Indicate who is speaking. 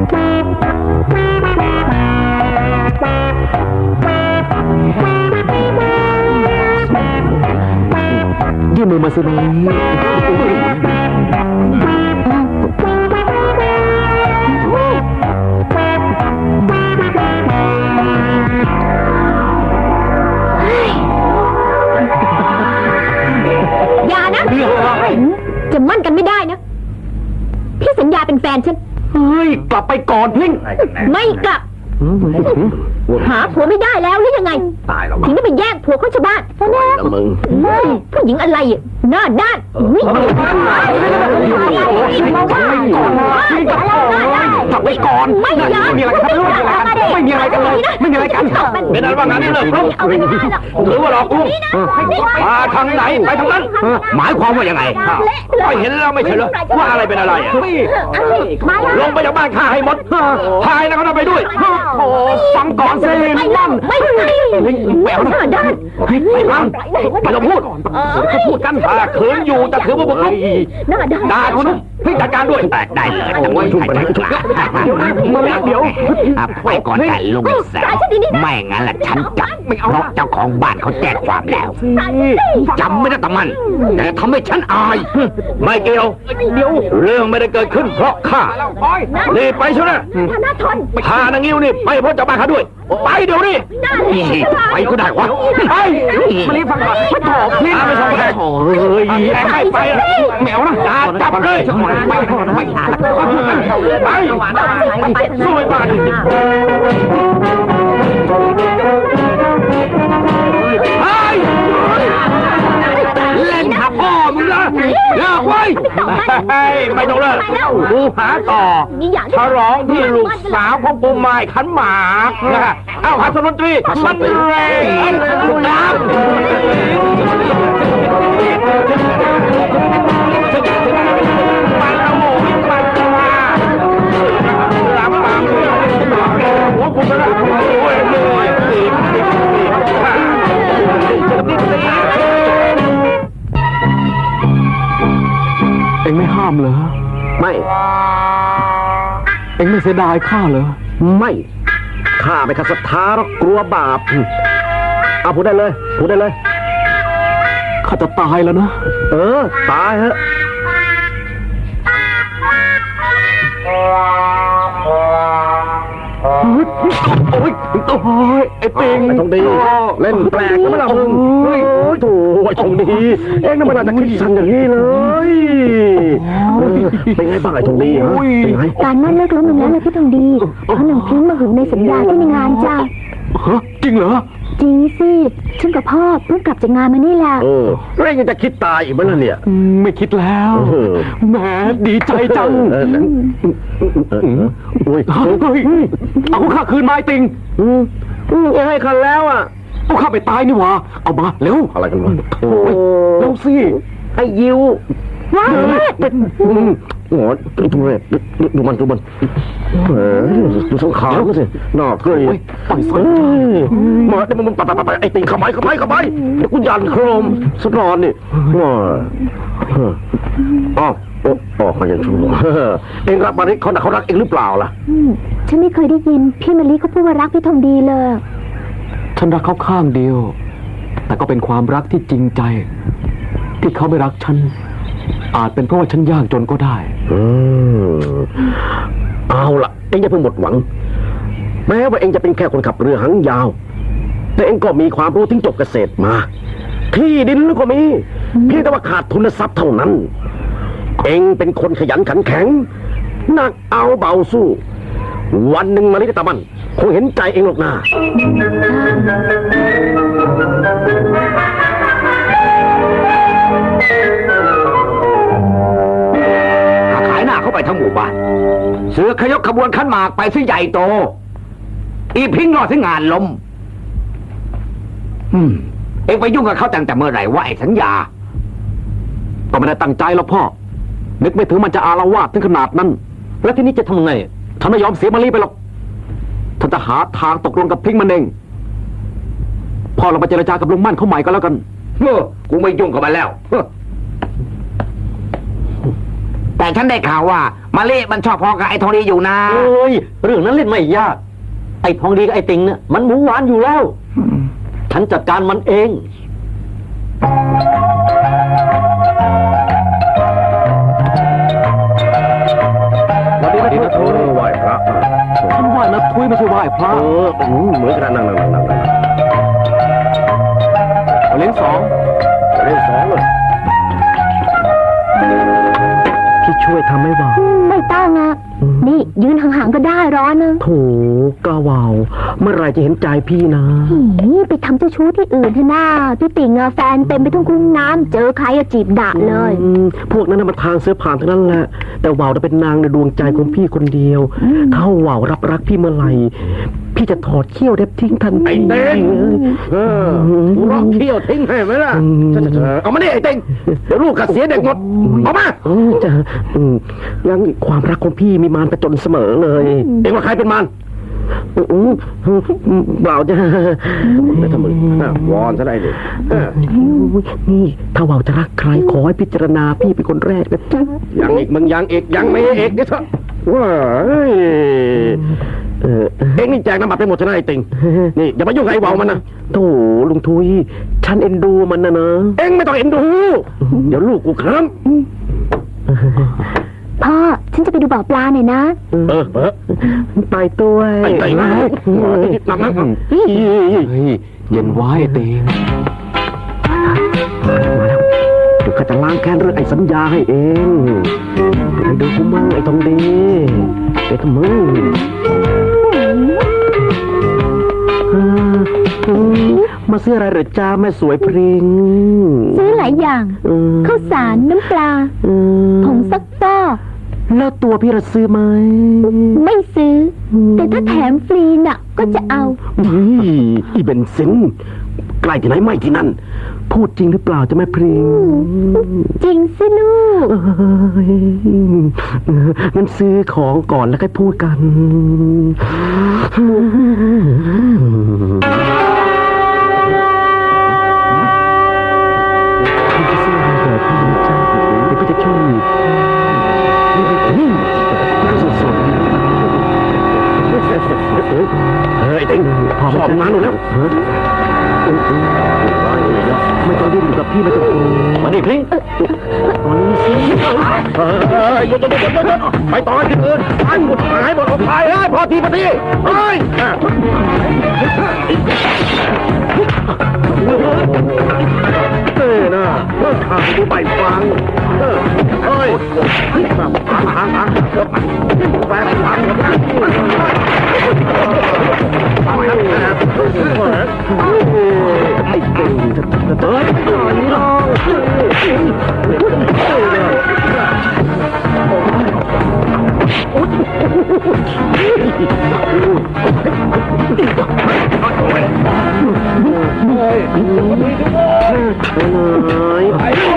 Speaker 1: ยื่นมือมาสินี้
Speaker 2: อย่านะจะมั่นกันไม่ได้นะพี่สัญญาเป็นแฟนฉัน
Speaker 1: เฮ้ยกลับไปก่อนพิง
Speaker 2: ไม่กลับหาผัวไม่ได้แล้วหรือยังไง
Speaker 1: ตายแล้ว
Speaker 2: ถึงได้ไปแย่งผัวคนชาวบ้านซะนะผู้หญิงอะไรหน้าด้าน
Speaker 1: กลับไปก่อนไม่มีอะไรกันไม่มีอะไรกันเลยไม่มีอะไรกัน
Speaker 3: เป็นอะไรบ้างนั้นเลยหรือว่าหลอกลวงมาทางไหนไปทางนั้นหมายความว่ายังไงก็เห็นแล้วไม่ใช่เหรอว่าอะไรเป็นอะไรลงไปจากบ้านข้าให้หมดพายแล้วก็ไปด้วย
Speaker 1: โอ้ฟังก่อนสินั่น
Speaker 2: ไม่
Speaker 1: แหววหน้าด้านไปฟังไปเราพูดกัน
Speaker 3: ถ้าขืนอยู่จะถือว่าบุกรุกด่าเขานะให้จัดการด้วย
Speaker 4: ได้เลยแต่ว่าใครจะกล้า
Speaker 1: มาเดี๋ยว
Speaker 4: ไปก่อนแต่ลุงแสวไม่งั้นล่ะฉันจับเพราะเจ้าของบ้านเขาแจ้งความแล้วจำไม่ได้แต่มันแต่ทำให้ฉันอาย
Speaker 3: ไม่เกี่ยวเรื่องไม่ได้เกิดขึ้นเพราะข้านี่ไปเชียวนะพานางงิ้วนี่ไปเพราะเจ้าบ้านข้าด้วยไปเดี๋ยวนี้
Speaker 4: ไปก็ได้วะ
Speaker 1: ไปมาลีฟังก่อนไม่ถอดพี่
Speaker 3: ไม่ส่งแขกไป
Speaker 1: แมวนะ
Speaker 3: จับเลยไปสู้ไปบ้านเล่นหักพ่อมึงนะเลิกไว้ไม่ต้องเลิกกูหาต่อฉลองที่ลูกสาวของปูไม้ขันหมากนะเอ้าหัสดนตรีมันแรงน้ำ
Speaker 1: เอ็งไม่ห้ามเหรอ
Speaker 3: ไม่
Speaker 1: เอ็งไม่เสียดายข้าเหรอ
Speaker 3: ไม่ข้าไม่ขัดศรัทธาหรอกกลัวบาปเอาพูดได้เลย
Speaker 1: ข้าจะตายแล้วนะ
Speaker 3: ตายฮะ
Speaker 1: โอ้ยไอ้ปิง
Speaker 3: ทองดีเล่นแปลกนะมึงโอ้ยโถ่ไอ้ทองดีเอ็งน่ะมันอาจจะคิดสั่นอย่างนี้เลยเป็นไงบ้างไอ้ทองดีฮะ
Speaker 2: การมั่นเลิกล้มลงแล้วเลยพี่ทองดีเพราะหนังพิ้งมาหึงในสัญญาที่ในงานจ้า
Speaker 1: จริงเหรอ
Speaker 2: จริงสิฉันกับพ่อเพิ่งกลับจากงานมานี่แหละ
Speaker 3: แล้วยังจะคิดตายอีกไหมล่ะเนี่ย
Speaker 1: ไม่คิดแล้วแหมดีใจจังเอาข้าคืนไม้ติง
Speaker 3: ยังให้คันแล้วอ่ะ
Speaker 1: เอาข้าไปตายนี่หว่าเอามาเร็ว
Speaker 3: อะไรกันวะ
Speaker 1: เร็วสิ
Speaker 3: ไอ้ยิวว้าหัวดูมันดูสังขารก็สิน่าเกลียดมาเดี๋ยวมันไปไอ้ติงเข้าไปเดี๋ยวกูยันโครมสนอนนี่อ๋อเขายังชั่วเองรักมาริเขารักเองหรือเปล่าล่ะ
Speaker 2: ฉันไม่เคยได้ยินพี่มะลิเขาพูดว่ารักพี่ทองดีเลย
Speaker 1: ฉันรักเขาข้างเดียวแต่ก็เป็นความรักที่จริงใจที่เขาไม่รักฉันอาจเป็นเพราะว่าฉันยากจนก็ได้
Speaker 3: เอาล่ะเองอย่าเพิ่งหมดหวังแม้ว่าเองจะเป็นแค่คนขับเรือหางยาวแต่เองก็มีความรู้ถึงจบเกษตรมาที่ดินก็มีเพียงแต่ว่าขาดทุนทรัพย์เท่านั้นเองเป็นคนขยันขันแข็งหนักเอาเบาสู้วันหนึ่งมาลิตามันคงเห็นใจเองหรอกนะ
Speaker 4: ขายหน้าเข้าไปทั้งหมู่บ้านเสือขยกขบวนขันหมากไปซิใหญ่โตอีพิงรอดถึงงานล้มเอ็งไปยุ่งกับเขาตั้งแต่เมื่อไหร่ว่าไอ้สัญญา
Speaker 1: ก็ไม่ได้ตั้งใจหรอกพ่อนึกไม่ถึงมันจะอาละวาดถึงขนาดนั้นแล้วทีนี้จะทำไงฉันไม่ยอมเสียมาลีไปหรอกฉันจะหาทางตกลงกับพิงมันเองพ่อเราไปเจรจากับลุงมั่นเขาใหม่ก็แล้วกัน
Speaker 4: กูไม่ยุ่งกับมันแล้วแต่ฉันได้ข่าวว่ามาเล่มันชอบพอกับไอ้ทองดีอยู่นะ
Speaker 1: เอ้ยเรื่องนั้นเล่นไม่ยาก ไอ้ทองดีกับไอ้ติงเนี่ยมันหมูหวานอยู่แล้ว ฉันจัดการมันเอง
Speaker 3: วันนี้นะทุยไหว้พระ
Speaker 1: ฉันไหว้นะทุยไม่ใช่ไหว้พระ
Speaker 3: เหมือนกันนั่ง
Speaker 1: เอาเลี้ยงสอง
Speaker 3: เล่นสองเลย
Speaker 1: พี่ช่วยทำให้บ่า
Speaker 2: ไม่ต้องอ่ะ นี่ยืนห่างๆก็ได้ร้อนนะ
Speaker 3: โถกาวาวเมื่อไรจะเห็นใจพี่นะ
Speaker 2: ไปทำเจ้าชู้ที่อื่นเถอะน้าพี่ติ่งอะแฟนเต็มไปทุ่งคุ้งน้ำเจอใครอะจีบด่าเลย
Speaker 3: พวกนั้นน่ะมันทางเสื้อผ่านทั้งนั้นแหละ แต่ว่าวน่ะเป็นนางในดวงใจของพี่คนเดียว ถ้าว่าวรับรักพี่เมื่อไหร่พี่จะถอดเขี้ยวเด็บทิ้งทันที
Speaker 5: ไอ้เต้งกูร้องเขี้ยวทิ้งให้ไหมล่ะเอามาดิไอ้เต้งเดี๋ยวลูกกัดเสียเด็กหมดเอามา
Speaker 3: จะยังความรักของพี่มีมารประจนเสมอเลย
Speaker 5: เอ็งว่าใครเป็นมัน
Speaker 3: เปล่าจะ
Speaker 5: แต่ถ้ามึงวอนซะได้ดิ
Speaker 3: นี่ถ้าว่าวจะรักใครขอให้พิจารณาพี่เป็นคนแรกนะจ๊ะ
Speaker 5: ยังอีกมึงยังอีกยังไม่อีกเดี๋ยวเถอะว้าเอ็งนี่แจกน้ำบัตรไปหมดใช่ไหมไอ้ติงนี่อย่ามายุ่งกับไอ้วาวมันนะ
Speaker 3: โถลุงทุยฉันเอ็นดูมันนะ
Speaker 5: เอ็งไม่ต้องเอ็นดูเดี๋ยวลูกกูเคลิ้ม
Speaker 2: พ่อ ฉันจะไปดูบ่อปลาหน่อยนะ
Speaker 3: ไปตัว
Speaker 5: ไอ้เต้งหนักนะ
Speaker 1: เย็นไว้เตง
Speaker 3: มาแล้วเดี๋ยวข้าจะล้างแค้นเรื่องไอ้สัญญาให้เองไปดูกูมั่งไอ้ทองดีไอ้ทำมึงมาซื้ออะไรเหรอจ้าแม่สวยพริง
Speaker 2: ซื้อหลายอย่างข้าวสารน้ำปลาผงซักฟอก
Speaker 3: แล้วตัวพี่ระซื้อไหม
Speaker 2: ไม่ซื้อ แต่ถ้าแถมฟรีน่ะ ก็จะเอา
Speaker 3: อีเบนซินใกล้ที่ไหนไม่ที่นั่น พูดจริงหรือเปล่าจะแม่พริง
Speaker 2: จริงสิลูก
Speaker 3: งั้นซื้อของก่อนแล้วค่อยพูดกัน พี่จะซื้ออะไรเหรอพี่นะจ๊ะเดี๋ยวพี่จะช่วยนี่ก็สดๆ
Speaker 5: เฮ้ยไอ้ติงชอบงานหนูแล้ว
Speaker 3: ไม่ต้องดิ้นอยู่กับพี่ไม่ต้องกลัว
Speaker 1: มาดิพลิง
Speaker 3: ตอนนี้สิ
Speaker 5: หยุดไปต่อที่อื่นไปหมดหายหมดออกไปเฮ้ยพอทีเฮ้ยนะเลิกทางดูไปฟังเฮ้ยแบบทางแฟนฟัง
Speaker 3: ไอ้เก่งจะเติร์ดหน่อยน้องไปเลย